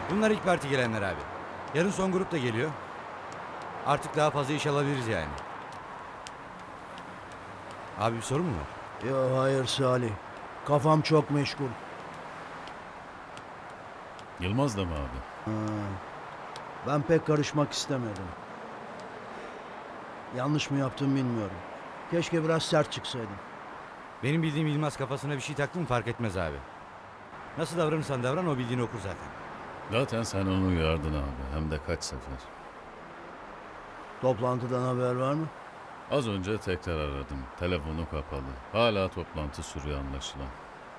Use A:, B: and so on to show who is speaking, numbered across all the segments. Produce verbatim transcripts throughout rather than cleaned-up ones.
A: Bunlar ilk parti gelenler abi. Yarın son grup da geliyor. Artık daha fazla iş alabiliriz yani. Abi bir sorun mu var?
B: Ya hayır Salih. Kafam çok meşgul.
C: Yılmaz da mı abi?
B: Ben pek karışmak istemedim. Yanlış mı yaptım bilmiyorum. Keşke biraz sert çıksaydım.
A: Benim bildiğim Yılmaz kafasına bir şey taktı mı fark etmez abi. Nasıl davranırsan davran o bildiğini okur zaten.
C: Zaten sen onu uyardın abi. Hem de kaç sefer.
B: Toplantıdan haber var mı?
C: Az önce tekrar aradım. Telefonu kapalı. Hala toplantı sürüyor anlaşılan.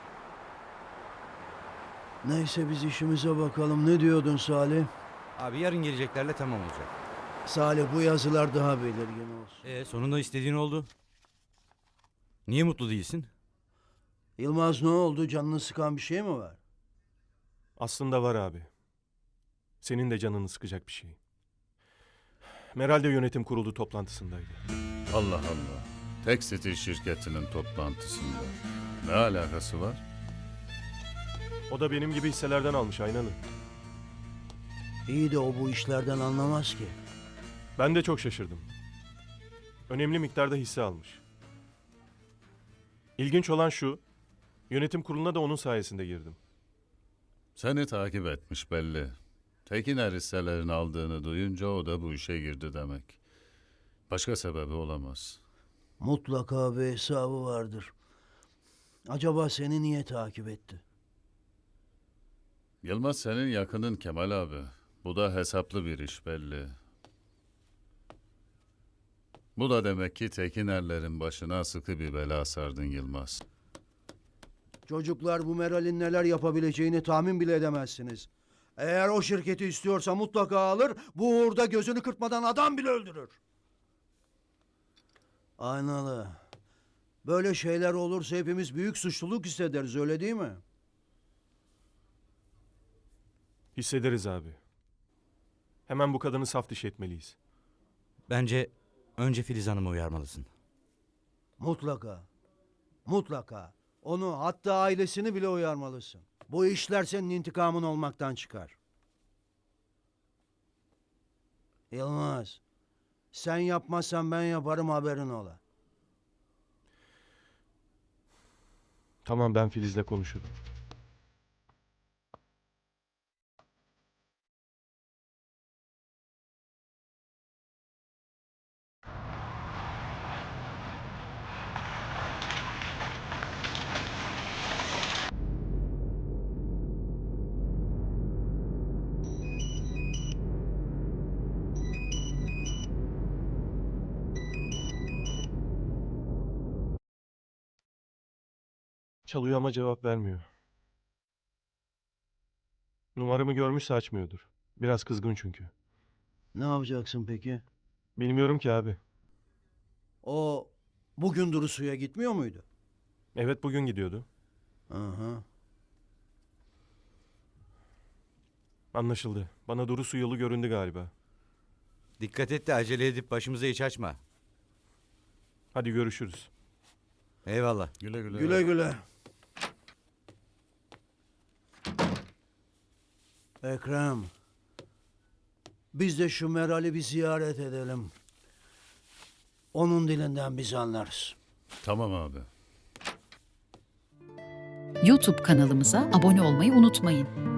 B: Neyse biz işimize bakalım. Ne diyordun Salih?
A: Abi yarın geleceklerle tamam olacak.
B: Salih bu yazılar daha belirgin olsun.
A: E sonunda istediğin oldu. Niye mutlu değilsin?
B: Yılmaz ne oldu? Canını sıkan bir şey mi var?
D: Aslında var abi. Senin de canını sıkacak bir şey. Meral de yönetim kurulu toplantısındaydı.
C: Allah Allah. Tekstil şirketinin toplantısında. Ne alakası var?
D: O da benim gibi hisselerden almış Aynan'ı.
B: İyi de o bu işlerden anlamaz ki.
D: Ben de çok şaşırdım. Önemli miktarda hisse almış. İlginç olan şu, yönetim kuruluna da onun sayesinde girdim.
C: Seni takip etmiş belli. Tekiner hisselerini aldığını duyunca o da bu işe girdi demek. Başka sebebi olamaz.
B: Mutlaka bir hesabı vardır. Acaba seni niye takip etti?
C: Yılmaz senin yakının Kemal abi. Bu da hesaplı bir iş belli. Bu da demek ki Tekinerlerin başına sıkı bir bela sardın Yılmaz.
B: Çocuklar bu Meral'in neler yapabileceğini tahmin bile edemezsiniz. Eğer o şirketi istiyorsa mutlaka alır, bu uğurda gözünü kırpmadan adam bile öldürür. Aynalı. Böyle şeyler olursa hepimiz büyük suçluluk hissederiz, öyle değil mi?
D: Hissederiz abi. Hemen bu kadını saf dışı etmeliyiz.
A: Bence önce Filiz Hanım'ı uyarmalısın.
B: Mutlaka. Mutlaka. Onu, hatta ailesini bile uyarmalısın. Bu işler senin intikamın olmaktan çıkar. Yılmaz, sen yapmazsan ben yaparım, haberin ola.
D: Tamam, ben Filiz'le konuşurum. Çalıyor ama cevap vermiyor. Numaramı görmüşse açmıyordur. Biraz kızgın çünkü.
B: Ne yapacaksın peki?
D: Bilmiyorum ki abi.
B: O bugün Durusu'ya gitmiyor muydu?
D: Evet, bugün gidiyordu.
B: Aha.
D: Anlaşıldı. Bana Duru su yolu göründü galiba.
A: Dikkat et de acele edip başımıza iş açma.
D: Hadi görüşürüz.
A: Eyvallah.
C: Güle güle.
B: Güle güle. Ekrem. Biz de şu Meral'i bir ziyaret edelim. Onun dilinden biz anlarız.
C: Tamam abi.
E: YouTube kanalımıza abone olmayı unutmayın.